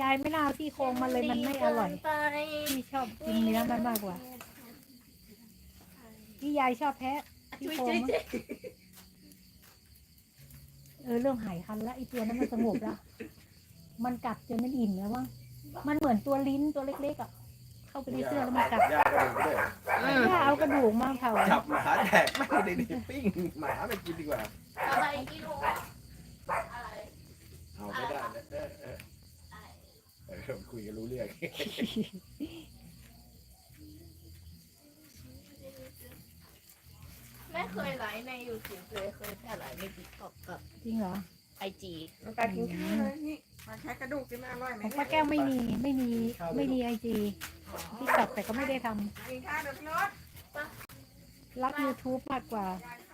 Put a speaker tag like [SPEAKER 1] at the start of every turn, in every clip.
[SPEAKER 1] ายไม่น่าเอาซี่โครงมาเลยมันไม่อร่อยพี่ชอบกินเนื้อมันมากกว่าพี่ยายชอบแพะซี่โครงเริ่มหายคันแล้วไอตัวนั้นมันสงบแล้วมันกัดจนมันอิ่มแล้วว่ามันเหมือนตัวลิ้นตัวเล็กๆอ่ะเข้าไปในเสื้อแล้วมันกัดถ้าเอากระดูกมาเผา
[SPEAKER 2] จับหมาแดกไม่ได้ดิปิ้งหมาไปกินดีกว่า
[SPEAKER 3] อะไรกิโล
[SPEAKER 2] เอาไม่ได้คุยกันรู้เรื่อง
[SPEAKER 3] ไม่เคยไลฟ์ใน YouTube เลยเคยแต่ไลฟ์ใน TikTok กับ
[SPEAKER 1] จริงเหรอ
[SPEAKER 3] IG
[SPEAKER 4] น้ำตากินข้าวเลยนี่มาแค่กระดูกกินมาอร่อยไหม
[SPEAKER 1] ของป้าแก้วไม่มีไอจีที่ตัดแต่ก็ไม่ได้ทำ
[SPEAKER 4] กินข้าวเดี๋ยวพี่รถ
[SPEAKER 1] รัก YouTube มากกว่า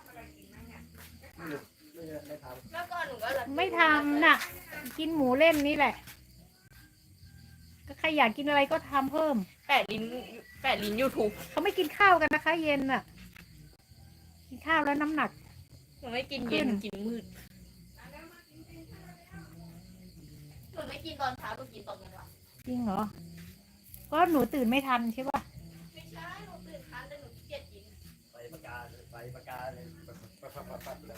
[SPEAKER 3] เมื่อก่อนหนูก็รัก
[SPEAKER 1] ไม่ทำน่ะ กินหมูเล่นนี่แหละ ก็ใครอยากกินอะไรก็ทำเพิ่ม
[SPEAKER 3] แปะลิ้น YouTube
[SPEAKER 1] เขาไม่กินข้าวกันนะคะ เย็นน่ะ กินข้าวแล้วน้ำหนัก
[SPEAKER 3] หนูไม่กินเย็นหนูกินมืดหนูไม่กินตอนเช้าหนูกินตอนกลางวัน
[SPEAKER 1] จริงเหรอ ก็หนูตื่นไม่ทันใช่ป่ะ
[SPEAKER 3] ไม่ใช่หนูตื่นทันแต่หนูขี้เกียจกิน
[SPEAKER 2] ไปปากกาเลยปั๊บเลย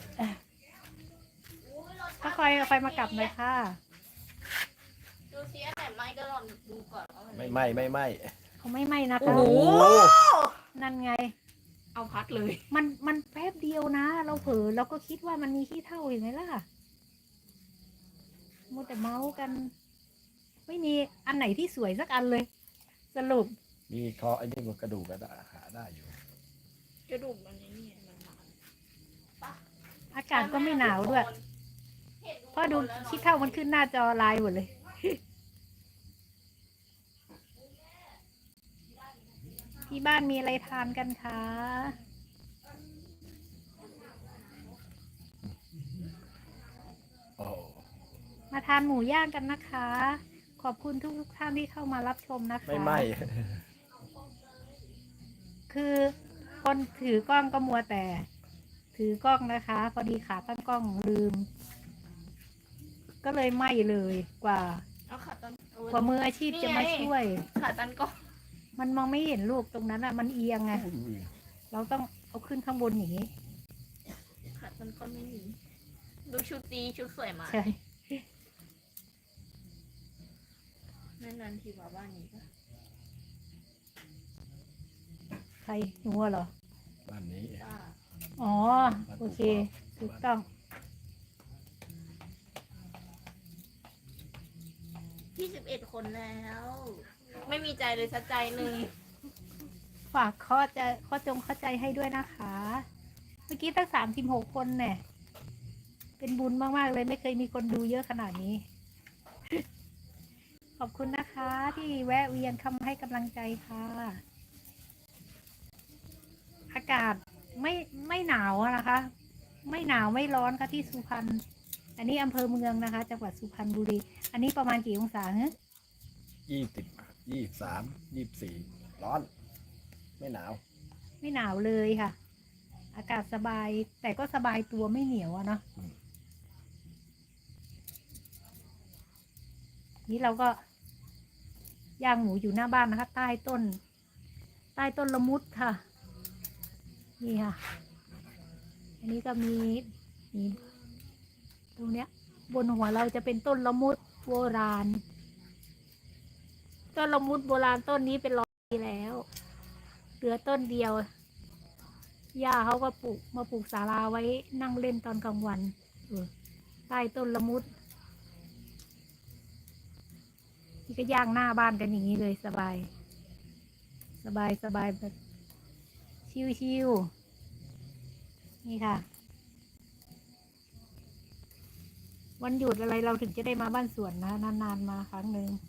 [SPEAKER 1] ก็คอยมากลับหน่อยค่ะ
[SPEAKER 3] ดูซิอันไหนไหมก็ลองดูก่อนว่ามัน
[SPEAKER 2] ไม่
[SPEAKER 1] เขาไม่ไหม้นะคะ
[SPEAKER 3] โอ้โห
[SPEAKER 1] นั่นไง
[SPEAKER 3] เอาพัดเลย
[SPEAKER 1] มันแป๊บเดียวนะ เราเผลอเราก็คิดว่ามันมีขี้เถ้าอยู่ไหมล่ะมัวแต่เมาส์กัน ไม่มีอันไหนที่สวยสักอันเลย สรุป
[SPEAKER 2] มีคอไอ้นี่กระดูกก็หาได้อยู่
[SPEAKER 3] กระดูกมันนี่มันหนา
[SPEAKER 1] อากาศก็ไม่หนาวด้วยเพราะดูขี้เถ้ามันขึ้นหน้าจอไลน์หมดเลย ที่บ้านมีอะไรทานกันคะ
[SPEAKER 2] โอ้
[SPEAKER 1] มาทานหมูย่างกันนะคะ ขอบคุณทุกท่านที่เข้ามารับชมนะคะ
[SPEAKER 2] ไม่
[SPEAKER 1] คือคนถือกล้องก็มัวแต่ ถือกล้องนะคะ พอดีขาตั้งกล้องลืม ก็เลยไหม้เลยกว่า
[SPEAKER 3] เอาขาตัน
[SPEAKER 1] กว่ามืออาชีพจะมาช่วย
[SPEAKER 3] ขาตันก็
[SPEAKER 1] มันมองไม่เห็นลูกตรงนั้นอ่ะ มันเอียงไง เราต้องเอาขึ้นข้างบนอย่างนี้
[SPEAKER 3] ขาตันก็ไม่มีดูชุดดีชุดสวยมาก
[SPEAKER 1] ใช่
[SPEAKER 3] นานๆทีมาบ้านนี้ก็
[SPEAKER 1] ใครหนูเหรอ
[SPEAKER 2] บ้านนี้
[SPEAKER 3] ป้า
[SPEAKER 1] อ๋อ โอเค ถูกต้อง
[SPEAKER 3] 21 คนแล้ว ไม่มีใจเลยสักใจหนึ่ง
[SPEAKER 1] ฝากข้อจงเข้าใจให้ด้วยนะคะ เมื่อกี้ตั้ง36 คนเนี่ย เป็นบุญมาก ๆ เลยไม่เคยมีคนดูเยอะขนาดนี้ ขอบคุณนะคะที่แวะเวียนเข้ามาให้กำลังใจค่ะ อากาศไม่หนาวอะนะคะ ไม่หนาวไม่ร้อนค่ะที่สุพรรณ อันนี้อำเภอเมืองนะคะ จังหวัดสุพรรณบุรี อันนี้ประมาณกี่องศาฮะ
[SPEAKER 2] 20 23 24ร้อน ไม่หนาว
[SPEAKER 1] ไม่หนาวเลยค่ะ อากาศสบาย แต่ก็สบายตัวไม่เหนียวอะเนาะ นี่เราก็ย่างหมูอยู่หน้าบ้านนะคะ ใต้ต้นละมุดค่ะ นี่ค่ะ อันนี้ก็มีตรงเนี้ย บนหัวเราจะเป็นต้นละมุดโบราณ ต้นละมุดโบราณต้นนี้เป็น100 ปีแล้ว เหลือต้นเดียวย่าเขาก็มาปลูกศาลาไว้นั่งเล่นตอนกลางวันใต้ต้นละมุดนี่ก็ย่างหน้าบ้านกันอย่างนี้เลยสบายแบบชิวๆนี่ค่ะ วันหยุดอะไรเราถึงจะได้มาบ้านสวนนะนานๆมาครั้งหนึ่ง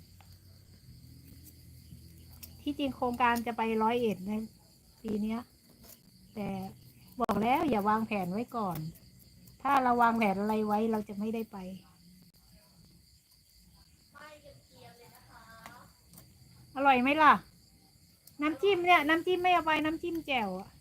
[SPEAKER 1] ที่จริงโครงการจะไป101ในปีเนี้ย แต่บอกแล้วอย่าวางแผนไว้ก่อน ถ้าเราวางแผนอะไรไว้เราจะไม่ได้ไป อร่อยไหมล่ะ น้ำจิ้มเนี่ยน้ำจิ้มไม่เอาไปน้ำจิ้มแจ่วอะ